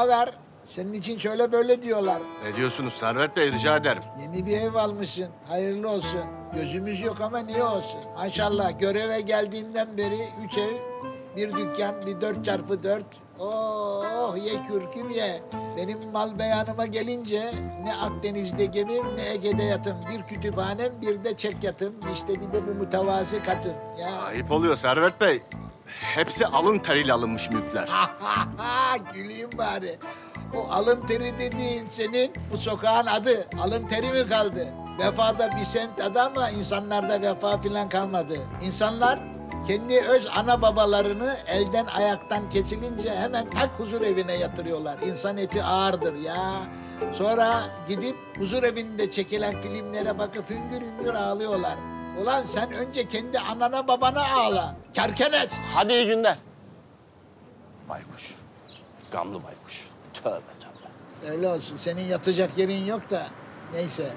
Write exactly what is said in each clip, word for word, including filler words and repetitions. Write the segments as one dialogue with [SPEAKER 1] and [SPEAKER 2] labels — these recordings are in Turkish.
[SPEAKER 1] haber? Senin için şöyle böyle diyorlar.
[SPEAKER 2] Ne diyorsunuz Servet Bey, rica ederim.
[SPEAKER 1] Yeni bir ev almışsın. Hayırlı olsun. Gözümüz yok ama niye olsun? Maşallah göreve geldiğinden beri üç ev, bir dükkan, bir dört çarpı dört. Oh ye kürküm ye. Benim mal beyanıma gelince ne Akdeniz'de gemim ne Ege'de yatım. Bir kütüphanem bir de çek yatım. İşte bir de bu mütevazı katım. Ya.
[SPEAKER 2] Ayıp oluyor Servet Bey. Hepsi alın teriyle alınmış mülkler.
[SPEAKER 1] Güleyim bari. O alın teri dediğin senin bu sokağın adı. Alın teri mi kaldı? Vefada bir semt adı ama insanlarda vefa filan kalmadı. İnsanlar kendi öz ana babalarını elden ayaktan kesilince hemen tak huzur evine yatırıyorlar. İnsan eti ağırdır ya. Sonra gidip huzur evinde çekilen filmlere bakıp hüngür hüngür ağlıyorlar. Ulan sen önce kendi anana babana ağla. Kerkenes.
[SPEAKER 2] Hadi iyi günler. Baykuş. Gamlı baykuş. Tövbe tövbe.
[SPEAKER 1] Öyle olsun. Senin yatacak yerin yok da. Neyse.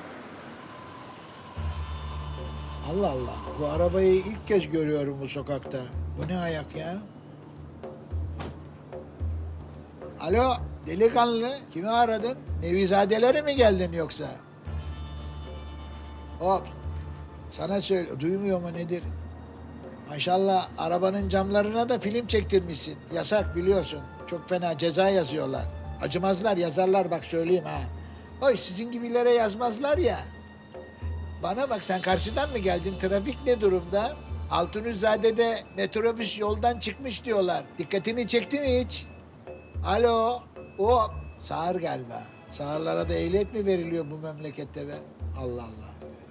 [SPEAKER 1] Allah Allah. Bu arabayı ilk kez görüyorum bu sokakta. Bu ne ayak ya? Alo, delikanlı. Kimi aradın? Nevizadelere mi geldin yoksa? Hop. Sana söyle. Duymuyor mu nedir? Maşallah arabanın camlarına da film çektirmişsin. Yasak biliyorsun. Çok fena ceza yazıyorlar. Acımazlar yazarlar bak söyleyeyim ha. Oy sizin gibilere yazmazlar ya. Bana bak sen karşıdan mı geldin? Trafik ne durumda? Altunizade'de metrobüs yoldan çıkmış diyorlar. Dikkatini çekti mi hiç? Alo. O sağır galiba. Sağırlara da ehliyet mi veriliyor bu memlekette be? Allah Allah.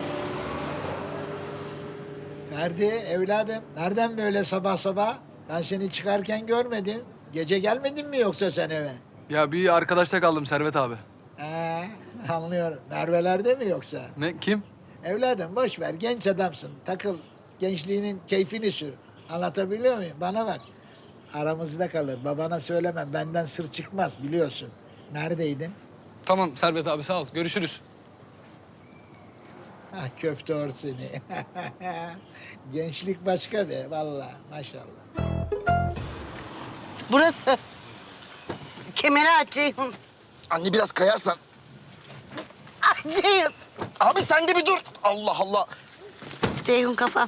[SPEAKER 1] Ferdi evladım nereden böyle sabah sabah? Ben seni çıkarken görmedim. Gece gelmedin mi yoksa sen eve?
[SPEAKER 3] Ya bir arkadaşta kaldım Servet abi.
[SPEAKER 1] He, anlıyorum. Merve'lerde mi yoksa?
[SPEAKER 3] Ne, kim?
[SPEAKER 1] Evladım boş ver genç adamsın. Takıl gençliğinin keyfini sür. Anlatabiliyor muyum? Bana bak. Aramızda kalır. Babana söylemem. Benden sır çıkmaz biliyorsun. Neredeydin?
[SPEAKER 3] Tamam Servet abi sağ ol. Görüşürüz.
[SPEAKER 1] Ah köfte or seni. Gençlik başka be vallahi maşallah.
[SPEAKER 4] Burası. Kemeri aç Ceyhun.
[SPEAKER 5] Anne biraz kayarsan.
[SPEAKER 4] Aç Ceyhun.
[SPEAKER 5] Abi sen de bir dur. Allah Allah.
[SPEAKER 4] Ceyhun kafam.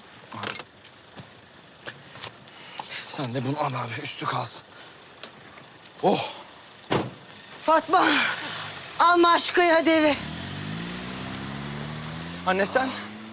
[SPEAKER 5] Sen de bunu al abi üstü kalsın. Oh.
[SPEAKER 4] Fatma. Alma aşkıyı hadi eve.
[SPEAKER 5] Anne sen?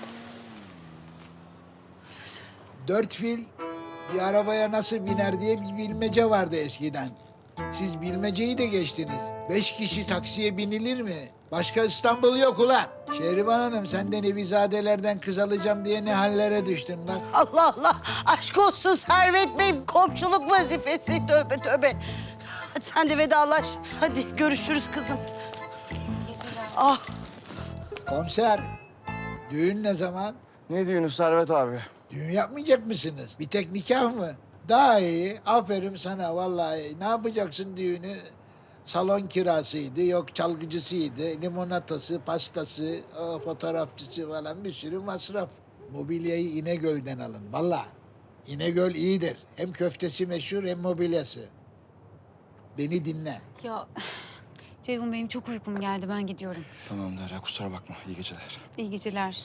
[SPEAKER 1] Dört fil bir arabaya nasıl biner diye bir bilmece vardı eskiden. Siz bilmeceyi de geçtiniz. Beş kişi taksiye binilir mi? Başka İstanbul yok ulan. Şehriban Hanım sen de Nevizadelerden kız alacağım diye ne hallere düştün bak.
[SPEAKER 4] Allah Allah. Aşk olsun Servet Bey. Komşuluk vazifesi. Tövbe tövbe. Hadi sen de vedalaş. Hadi görüşürüz kızım. Ah.
[SPEAKER 1] Komiser, düğün ne zaman?
[SPEAKER 5] Ne diyorsun Servet abi?
[SPEAKER 1] Düğün yapmayacak mısınız? Bir tek nikah mı? Daha iyi. Aferin sana vallahi. Ne yapacaksın düğünü? Salon kirasıydı, yok çalgıcısıydı, limonatası, pastası, o, fotoğrafçısı falan bir sürü masraf. Mobilyayı İnegöl'den alın. Vallahi İnegöl iyidir. Hem köftesi meşhur hem mobilyası. Beni dinle.
[SPEAKER 6] Ya Ceyhun benim çok uykum geldi ben gidiyorum.
[SPEAKER 5] Tamam Derya kusura bakma iyi geceler.
[SPEAKER 6] İyi geceler.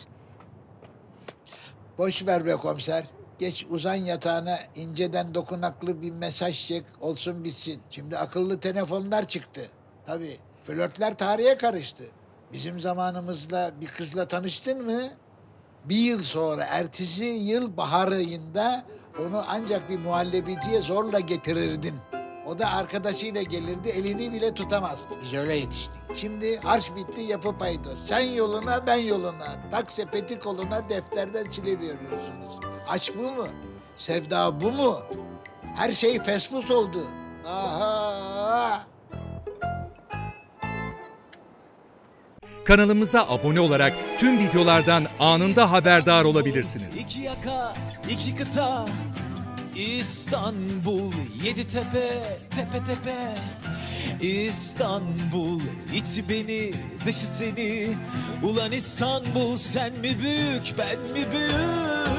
[SPEAKER 1] Boş ver be komiser. Geç uzan yatağına inceden dokunaklı bir mesaj çek olsun bitsin. Şimdi akıllı telefonlar çıktı. Tabii flörtler tarihe karıştı. Bizim zamanımızda bir kızla tanıştın mı? Bir yıl sonra ertesi yıl bahar ayında onu ancak bir muhallebiciye zorla getirirdin. O da arkadaşıyla gelirdi, elini bile tutamazdı. Biz öyle yetiştik. Şimdi harç bitti, yapı paydos. Sen yoluna, ben yoluna. Tak sepeti koluna, defterden çile veriyorsunuz. Aşk bu mu? Sevda bu mu? Her şey fesfus oldu. Aha!
[SPEAKER 7] Kanalımıza abone olarak tüm videolardan anında haberdar olabilirsiniz.
[SPEAKER 8] İki yaka, iki kıta, İstanbul, yedi tepe, tepe tepe. İstanbul, içi beni, dışı seni. Ulan İstanbul, sen mi büyük, ben mi büyük?